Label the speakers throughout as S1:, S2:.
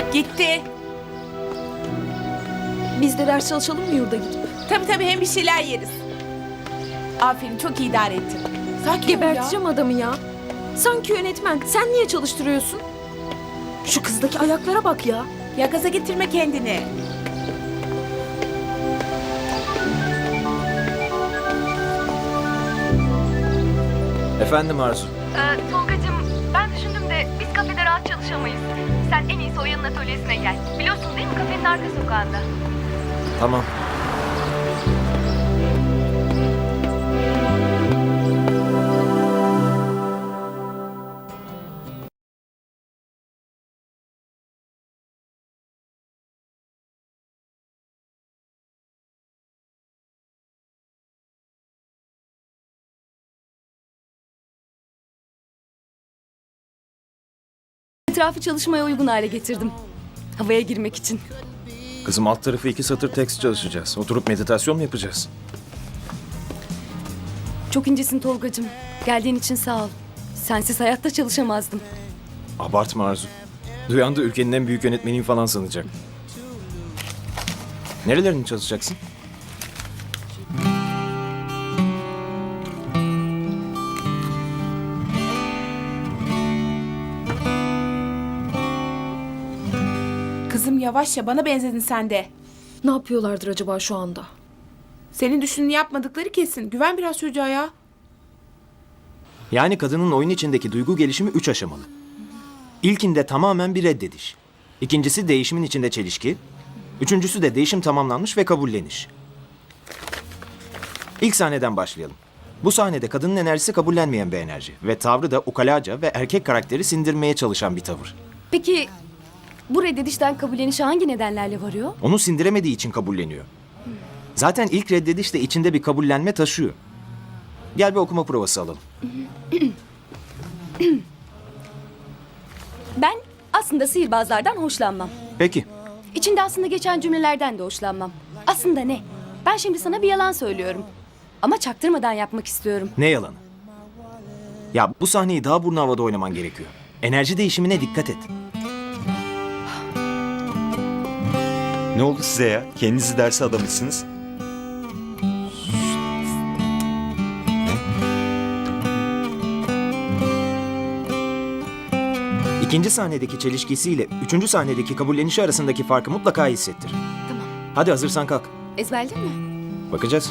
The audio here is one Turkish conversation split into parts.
S1: Gitti.
S2: Biz de ders çalışalım mı yurda gidip?
S1: Tabii hem bir şeyler yeriz. Aferin, çok iyi idare ettin. Sakin ol ya.
S2: Geberteceğim adamı ya. Sanki yönetmen. Sen niye çalıştırıyorsun? Şu kızdaki ayaklara bak ya.
S1: Ya gaza getirme kendini.
S3: Efendim Arzu.
S4: Tolgacığım, ben düşündüm de biz kafede rahat çalışamayız. Sen en iyisi Oya'nın atölyesine gel. Biliyorsun değil mi, kafenin arka sokağında.
S3: Tamam.
S5: Etrafı çalışmaya uygun hale getirdim. Havaya girmek için.
S3: Kızım alt tarafı 2 satır tekst çalışacağız. Oturup meditasyon mu yapacağız?
S5: Çok incesin Tolgacığım. Geldiğin için sağ ol. Sensiz hayatta çalışamazdım.
S3: Abartma Arzu. Duyan da ülkenin en büyük yönetmeniyim falan sanacak. Nerelerini çalışacaksın?
S1: Kızım yavaş ya, bana benzedin sen de.
S2: Ne yapıyorlardır acaba şu anda?
S1: Senin düşündüğünü yapmadıkları kesin. Güven biraz çocuğa ya.
S3: Yani kadının oyun içindeki duygu gelişimi 3 aşamalı. İlkinde tamamen bir reddediş. İkincisi değişimin içinde çelişki. Üçüncüsü de değişim tamamlanmış ve kabulleniş. İlk sahneden başlayalım. Bu sahnede kadının enerjisi kabullenmeyen bir enerji ve tavrı da ukalaca ve erkek karakteri sindirmeye çalışan bir tavır.
S5: Peki bu reddedişten kabullenişe hangi nedenlerle varıyor?
S3: Onu sindiremediği için kabulleniyor. Zaten ilk reddediş de içinde bir kabullenme taşıyor. Gel bir okuma provası alalım.
S5: Ben aslında sihirbazlardan hoşlanmam.
S3: Peki.
S5: İçinde aslında geçen cümlelerden de hoşlanmam. Aslında ne? Ben şimdi sana bir yalan söylüyorum. Ama çaktırmadan yapmak istiyorum.
S3: Ne yalanı? Ya bu sahneyi daha burnu havada oynaman gerekiyor. Enerji değişimine dikkat et.
S6: Ne oldu size ya? Kendinizi derse adamışsınız.
S3: İkinci sahnedeki çelişkisiyle üçüncü sahnedeki kabullenişi arasındaki farkı mutlaka hissettir.
S5: Tamam.
S3: Hadi hazırsan kalk.
S5: Ezberledin mi?
S3: Bakacağız.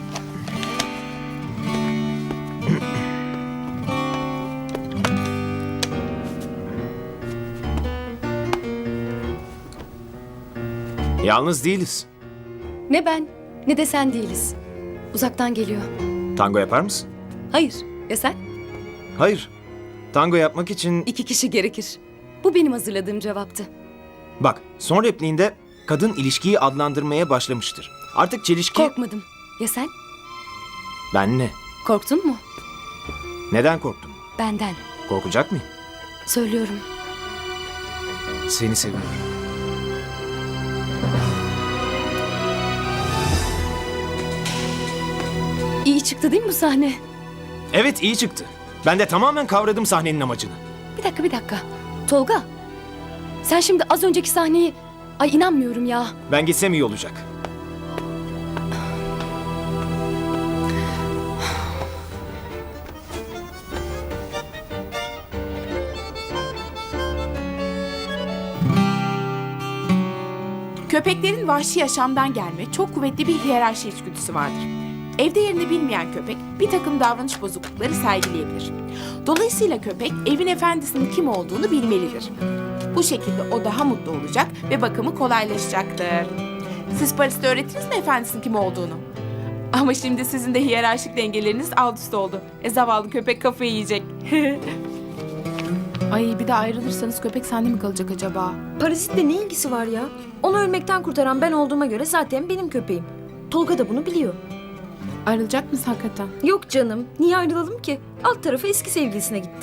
S3: Yalnız değiliz.
S5: Ne ben ne de sen değiliz. Uzaktan geliyor.
S3: Tango yapar mısın?
S5: Hayır. Ya sen?
S3: Hayır. Tango yapmak için...
S5: 2 kişi gerekir. Bu benim hazırladığım cevaptı.
S3: Bak, son repliğinde kadın ilişkiyi adlandırmaya başlamıştır. Artık çelişki...
S5: Korkmadım. Ya sen?
S3: Ben ne?
S5: Korktun mu?
S3: Neden korktun?
S5: Benden.
S3: Korkacak mıyım?
S5: Söylüyorum.
S3: Seni seviyorum.
S5: İyi çıktı değil mi bu sahne?
S3: Evet, iyi çıktı. Ben de tamamen kavradım sahnenin amacını.
S5: Bir dakika. Tolga. Sen şimdi az önceki sahneyi... Ay inanmıyorum ya.
S3: Ben gitsem iyi olacak.
S1: Köpeklerin vahşi yaşamdan gelme çok kuvvetli bir hiyerarşi içgüdüsü vardır. Evde yerini bilmeyen köpek bir takım davranış bozuklukları sergileyebilir. Dolayısıyla köpek evin efendisinin kim olduğunu bilmelidir. Bu şekilde o daha mutlu olacak ve bakımı kolaylaşacaktır. Siz Paris'te öğrettiniz mi efendisinin kim olduğunu? Ama şimdi sizin de hiyerarşik dengeleriniz alt üst oldu. Zavallı köpek kafayı yiyecek. Ay bir de ayrılırsanız köpek sende mi kalacak acaba?
S2: Parazitle ne ilgisi var ya? Onu ölmekten kurtaran ben olduğuma göre zaten benim köpeğim. Tolga da bunu biliyor.
S1: Ayrılacak mısın hakikaten?
S2: Yok canım. Niye ayrılalım ki? Alt tarafı eski sevgilisine gitti.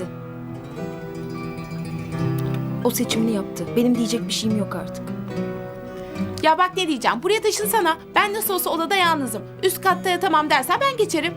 S2: O seçimini yaptı. Benim diyecek bir şeyim yok artık.
S1: Ya bak ne diyeceğim. Buraya taşınsana. Ben nasıl olsa odada yalnızım. Üst katta yatamam dersen ben geçerim.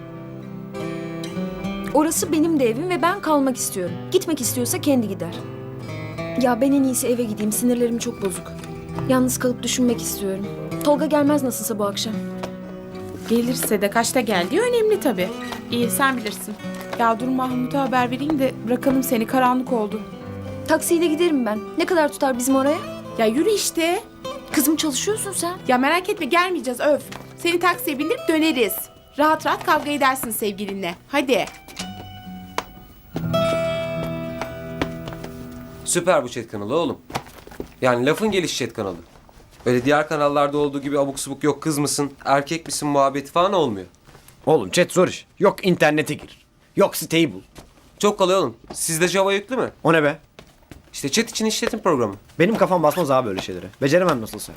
S2: Orası benim de evim ve ben kalmak istiyorum. Gitmek istiyorsa kendi gider. Ya ben en iyisi eve gideyim. Sinirlerim çok bozuk. Yalnız kalıp düşünmek istiyorum. Tolga gelmez nasılsa bu akşam.
S1: Gelirse de kaçta geldiği önemli tabii. İyi sen bilirsin. Ya dur Mahmut'a haber vereyim de bırakalım seni, karanlık oldu.
S2: Taksiyle giderim ben. Ne kadar tutar bizim oraya?
S1: Ya yürü işte.
S2: Kızım çalışıyorsun sen.
S1: Ya merak etme, gelmeyeceğiz öf. Seni taksiye bindirip döneriz. Rahat rahat kavga edersin sevgilinle. Hadi.
S7: Süper bu chat kanalı oğlum. Yani lafın gelişi chat kanalı. Öyle diğer kanallarda olduğu gibi abuk subuk yok kız mısın, erkek misin muhabbeti falan olmuyor.
S8: Oğlum chat zor iş. Yok internete gir. Yok siteyi bul.
S7: Çok kolay oğlum. Sizde Java yüklü mü?
S8: O ne be?
S7: İşte chat için işletim programı.
S8: Benim kafam basmaz abi böyle şeylere. Beceremem nasılsa.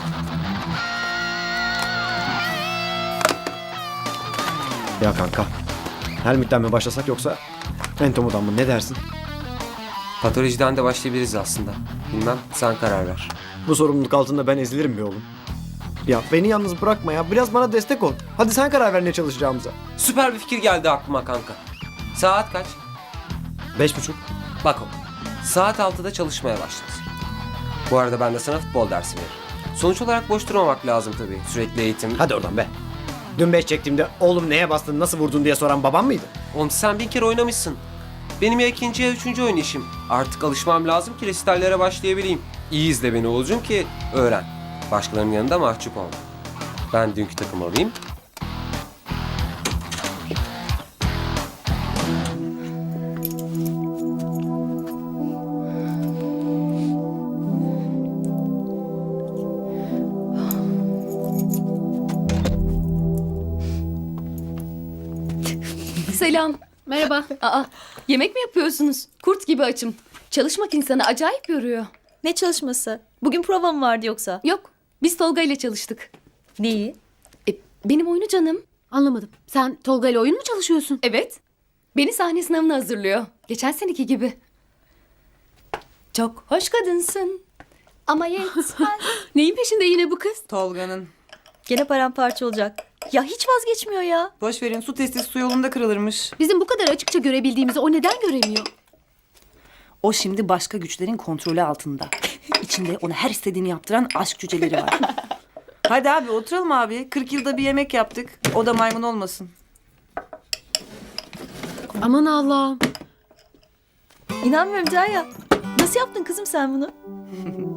S8: Ya kanka. Helmut'ten mi başlasak yoksa Entomo'dan mı, ne dersin?
S7: Patolojiden de başlayabiliriz aslında. Bilmem, sen karar ver.
S8: Bu sorumluluk altında ben ezilirim be oğlum. Ya beni yalnız bırakma ya. Biraz bana destek ol. Hadi sen karar ver ne çalışacağımıza.
S7: Süper bir fikir geldi aklıma kanka. Saat kaç?
S8: 5.30.
S7: Bak oğlum. Saat 6'da çalışmaya başlarız. Bu arada ben de sana futbol dersi veririm. Sonuç olarak boş durmamak lazım tabii. Sürekli eğitim.
S8: Hadi oradan be. Dün 5 çektiğimde oğlum neye bastın, nasıl vurdun diye soran babam mıydı?
S7: Oğlum sen 1000 kere oynamışsın. Benim ya ikinci ya üçüncü oynayışım. Artık alışmam lazım ki resitallere başlayabileyim. İyi izle beni Oğuzcum ki öğren. Başkalarının yanında mahcup olma. Ben dünkü takım alayım.
S5: Selam.
S9: Merhaba.
S5: Aa, yemek mi yapıyorsunuz? Kurt gibi açım. Çalışmak insanı acayip yoruyor.
S9: Ne çalışması? Bugün prova mı vardı yoksa?
S5: Yok, biz Tolga ile çalıştık.
S9: Neyi?
S5: Benim oyunu canım.
S9: Anlamadım. Sen Tolga ile oyun mu çalışıyorsun?
S5: Evet. Beni sahne sınavına hazırlıyor. Geçen seneki gibi. Çok hoş kadınsın. Ama yetmez.
S9: Neyin peşinde yine bu kız?
S10: Tolga'nın.
S9: Gene paramparça olacak. Ya hiç vazgeçmiyor ya.
S10: Boş verin, su testi su yolunda kırılırmış.
S9: Bizim bu kadar açıkça görebildiğimizi o neden göremiyor?
S11: O şimdi başka güçlerin kontrolü altında. İçinde ona her istediğini yaptıran aşk cüceleri var.
S10: Hadi abi oturalım abi. 40 yılda bir yemek yaptık. O da maymun olmasın.
S9: Aman Allah'ım.
S2: İnanmıyorum Derya. Nasıl yaptın kızım sen bunu?